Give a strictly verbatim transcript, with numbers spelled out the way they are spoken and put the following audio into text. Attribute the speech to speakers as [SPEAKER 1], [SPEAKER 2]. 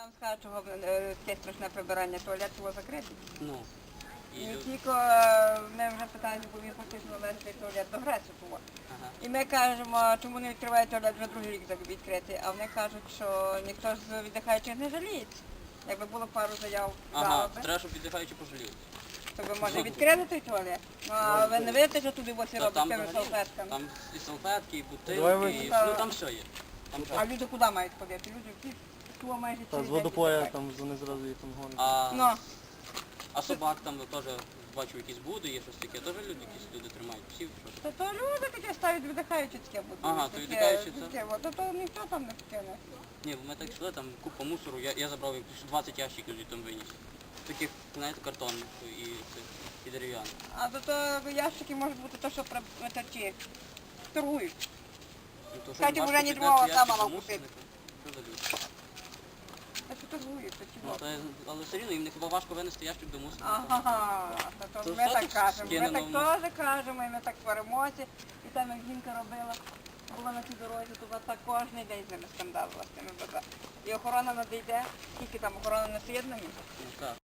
[SPEAKER 1] вам скажу, чого е, таке страшне прибирання, туалет було закритий.
[SPEAKER 2] Ну. І
[SPEAKER 1] І
[SPEAKER 2] люд-
[SPEAKER 1] тільки е, ми вже питаємо, бо він фактично належить туалет до Греції було.
[SPEAKER 2] Ага.
[SPEAKER 1] І ми кажемо, чому не відкривають туалет, вже другий рік так відкритий, а вони кажуть, що ніхто з віддихаючих не жаліється. Якби було пару заяв,
[SPEAKER 2] Ага,
[SPEAKER 1] жалоби,
[SPEAKER 2] треба, щоб віддихаючі пожаліють.
[SPEAKER 1] то ви може відкрили той туалет. Ну, а ви не видите, що туди ось
[SPEAKER 2] Та
[SPEAKER 1] робить
[SPEAKER 2] там
[SPEAKER 1] тими
[SPEAKER 2] взагалі,
[SPEAKER 1] салфетками.
[SPEAKER 2] там і салфетки, і
[SPEAKER 3] Давай ви-
[SPEAKER 2] бутилки, і,
[SPEAKER 1] Та-
[SPEAKER 2] ну там все є. Там все.
[SPEAKER 1] А люди куди мають ходити? Люди всі туа майже
[SPEAKER 3] Та
[SPEAKER 1] цілий
[SPEAKER 3] з
[SPEAKER 1] день
[SPEAKER 3] водопоя
[SPEAKER 1] віддихають.
[SPEAKER 3] там вони зразу їх там гонять.
[SPEAKER 2] А,
[SPEAKER 1] Ну,
[SPEAKER 2] а собак там теж бачу якісь буди, є щось таке, теж люди якісь люди тримають, псів, щось.
[SPEAKER 1] то, то люди таке ставлять віддихаючі таке будуть.
[SPEAKER 2] Ага, то
[SPEAKER 1] Таке-
[SPEAKER 2] віддихаючі це?
[SPEAKER 1] таке, от, то, то ніхто там не вкине.
[SPEAKER 2] Ні, ми так йшли, там купа мусору, я, я забрав якось двадцять ящиків там виніс. Таких, знаєте, картонних і, і дерев'яних.
[SPEAKER 1] А до того ящики можуть бути то, що про це ті торгують.
[SPEAKER 2] Ну, то, що
[SPEAKER 1] Кстати,
[SPEAKER 2] важко
[SPEAKER 1] вже не
[SPEAKER 2] підняти
[SPEAKER 1] думала,
[SPEAKER 2] ящик
[SPEAKER 1] сама
[SPEAKER 2] до
[SPEAKER 1] мала
[SPEAKER 2] мусорника.
[SPEAKER 1] купити.
[SPEAKER 2] Що за люди?
[SPEAKER 1] Це що торгують, то
[SPEAKER 2] Ну,
[SPEAKER 1] чого.
[SPEAKER 2] та, але все рівно їм не хіба важко винести ящик до мусорника.
[SPEAKER 1] Ага, то, то
[SPEAKER 2] То
[SPEAKER 1] ми
[SPEAKER 2] що
[SPEAKER 1] так
[SPEAKER 2] тут
[SPEAKER 1] кажемо. Ми
[SPEAKER 2] скинено
[SPEAKER 1] так
[SPEAKER 2] в
[SPEAKER 1] теж кажемо, і ми так сваримося. І там як жінка робила, була на цій дорозі, то вона так кожен день з ними скандалила з тими баба. І охорона надійде, скільки там охорона на з'єднанні.
[SPEAKER 2] Ну, так.